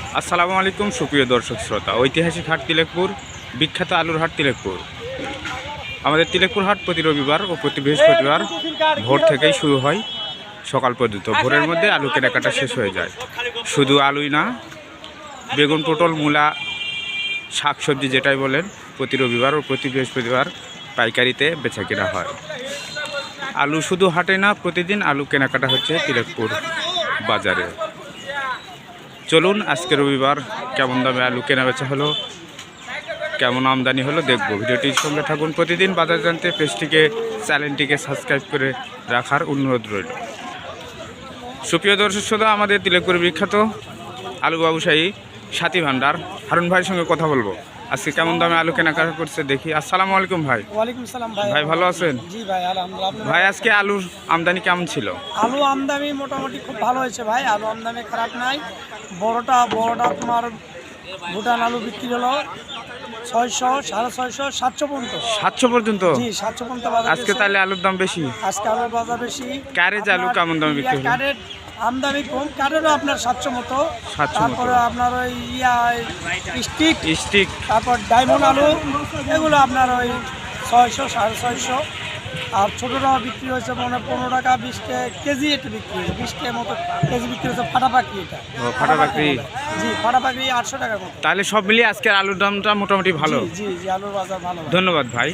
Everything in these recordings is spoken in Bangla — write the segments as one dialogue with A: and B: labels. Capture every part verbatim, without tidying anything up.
A: আসসালামু আলাইকুম সুপ্রিয় দর্শক শ্রোতা। ঐতিহাসিক হাট তিলেকপুর, বিখ্যাত আলুর হাট তিলেকপুর। আমাদের তিলেকপুর হাট প্রতি রবিবার ও প্রতি বৃহস্পতিবার ভোর থেকেই শুরু হয় সকাল পর্যন্ত। ভোরের মধ্যে আলু কেনাকাটা শেষ হয়ে যায়। শুধু আলুই না, বেগুন, পটল, মূলা, শাকসবজি যেটাই বলেন, প্রতি রবিবার ও প্রতি বৃহস্পতিবার পাইকারিতে বেচা কেনা হয়। আলু শুধু হাটে না, প্রতিদিন আলু কেনাকাটা হচ্ছে তিলেকপুর বাজারে। চলুন আজকে রবিবার কেমন দামে আলু কেনা বেচা হলো, কেমন আমদানি হলো দেখব। ভিডিওটির সঙ্গে থাকুন। প্রতিদিন বাজার জানতে পেজটিকে, চ্যানেলটিকে সাবস্ক্রাইব করে রাখার অনুরোধ রইল। সুপ্রিয় দর্শক শ্রোতা, আমাদের তিলেকপুরের বিখ্যাত আলু ব্যবসায়ী সাথী ভান্ডার হারুন ভাইয়ের সঙ্গে কথা বলবো। আজকে কেমন দামে আলু কেনাকাটা করছে দেখি। আসসালামু আলাইকুম ভাই।
B: ওয়ালাইকুম আসসালাম ভাই।
A: ভাই ভালো আছেন?
B: জি ভাই, আলহামদুলিল্লাহ।
A: ভাই আজকে আলুর আমদানি কেমন ছিল?
B: আলু আমদানি মোটামুটি খুব ভালো হয়েছে ভাই, আলু আমদানি খারাপ নাই। বড়টা বড়টা তোমার ভুটান আলু বিক্রি হলো ছয়শো, সাড়ে ছয়শো, সাতশো পর্যন্ত।
A: সাতশো পর্যন্ত?
B: জি, সাতশো পর্যন্ত বাজার।
A: আজকে তাহলে আলুর দাম বেশি?
B: আজকে আলুর বাজার বেশি।
A: ক্যারেজ আলু কেমন দামে বিক্রি হলো?
B: ক্যারেট আমদানি কম, ক্যারেটও আপনার সাতশো মতো। তারপরে আপনার ওই ইয়া স্টিক
A: স্টিক
B: তারপর ডায়মন্ড আলু, এগুলো আপনার ওই ছয়শো, সাড়ে ছয়শো। আর ছোটোটা বিক্রি হয়েছে মানে পনেরো টাকা, বিশ টাকা কেজি এটা বিক্রি হয়েছে, বিশ টাকার মতো কেজি বিক্রি হয়েছে। ফাটা পাখি এটা।
A: ফাটা পাখি?
B: জি, ফাটা পাখি আটশো টাকার মতো।
A: তাহলে সব মিলিয়ে আজকের আলুর দামটা মোটামুটি ভালো।
B: জি জি, আলুর বাজার ভালো।
A: ধন্যবাদ ভাই।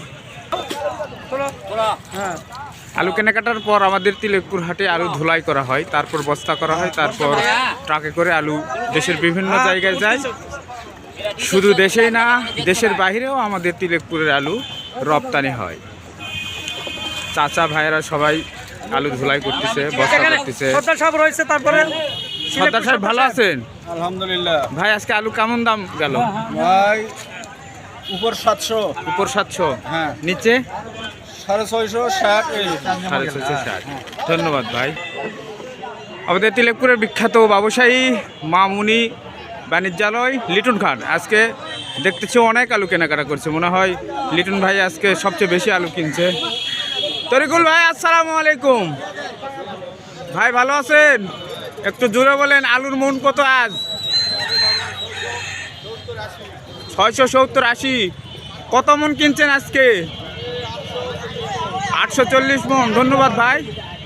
B: হ্যাঁ,
A: আলু কেনাকাটার পর আমাদের তিলেকপুর হাটে আলু ধুলাই করা হয়, তারপর বস্তা করা হয়, তারপর ট্রাকে করে আলু দেশের বিভিন্ন জায়গায় যায়। শুধু দেশেই না, দেশের বাইরেও আমাদের তিলেকপুরের আলু রপ্তানি হয়। চাচা ভাইয়েরা সবাই আলু ধুলাই করতেছে, বস্তা করতেছে।
B: সর্দার সাহেব রয়েছে। তারপরে
A: সর্দার সাহেব ভালো আছেন?
C: আলহামদুলিল্লাহ।
A: ভাই আজকে আলু কেমন দাম গেল?
C: ভাই উপর সাতশো,
A: উপর সাতশো,
C: হ্যাঁ,
A: নিচে
C: সাড়ে ছয়শো, ষাট।
A: সাড়ে ছয়শো, ষাট। ধন্যবাদ ভাই। আমাদের তিলেকপুরের বিখ্যাত ব্যবসায়ী মামুনি বাণিজ্যালয় লিটন খান আজকে দেখতেছি অনেক আলু কেনাকাটা করছে। মনে হয় লিটন ভাই আজকে সবচেয়ে বেশি আলু কিনছে। তরিকুল ভাই আসসালামু আলাইকুম। ভাই ভালো আছেন? একটু জোরে বলেন, আলুর মন কত আজ? ছয়শো, সত্তর, আশি। কত মন কিনছেন আজকে? আটশো চল্লিশ মন। ধন্যবাদ ভাই।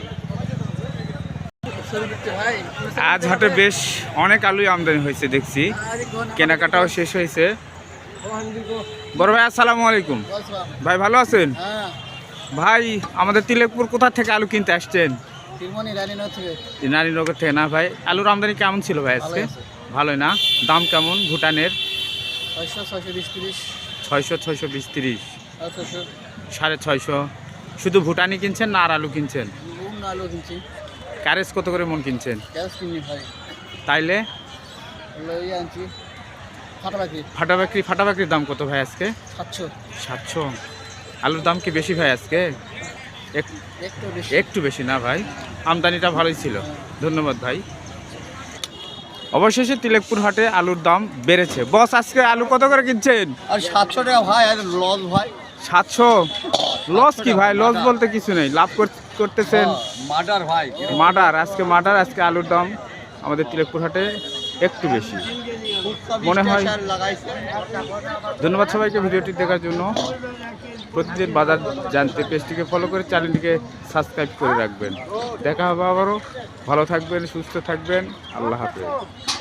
A: আজ হাটে বেশ অনেক আলুই আমদানি হয়েছে দেখছি, কেনাকাটাও শেষ হয়েছে। বড় ভাই আসসালামু আলাইকুম। ভাই ভালো আছেন? ভাই আমাদের তিলেকপুর কোথা থেকে আলু কিনতে আসছেন? রানীনগর থেকে না ভাই? আলুর আমদানি কেমন ছিল ভাই আজকে? ভালোই না? দাম কেমন ভুটানের? ছয়শো, ছয়শো বিশ, তিরিশ, সাড়ে ছয়শো। শুধু ভুটানি কিনছেন না আর আলু কিনছেন? ক্যারেজ কত করে মন কিনছেন? তাইলে ফাটা বাকরি, ফাটা বাকরির দাম কত ভাই আজকে?
B: সাতশো।
A: সাতশো। আলুর দাম কি বেশি ভাই আজকে? একটু বেশি না ভাই? আমদানিটা ভালোই ছিল। ধন্যবাদ ভাই। অবশেষে তিলেকপুর হাটে আলুর দাম বেড়েছে। বস আজকে আলু কত করে কিনছেন?
C: আর সাতশো টাকা ভাই, আর লস ভাই।
A: সাতশো? লস কি ভাই? লস বলতে কিছু নেই, লাভ করতেছেন।
C: মার্ডার ভাই,
A: মার্ডার। আজকে মার্ডার। আজকে আলুর দাম আমাদের তিলেকপুর হাটে একটু বেশি মনে হয়। ধন্যবাদ সবাইকে ভিডিওটি দেখার জন্য। প্রতিদিন বাজার জানতে পেজটিকে ফলো করে চ্যানেলটিকে সাবস্ক্রাইব করে রাখবেন। দেখা হবে আবারও। ভালো থাকবেন, সুস্থ থাকবেন। আল্লাহ হাফেজ।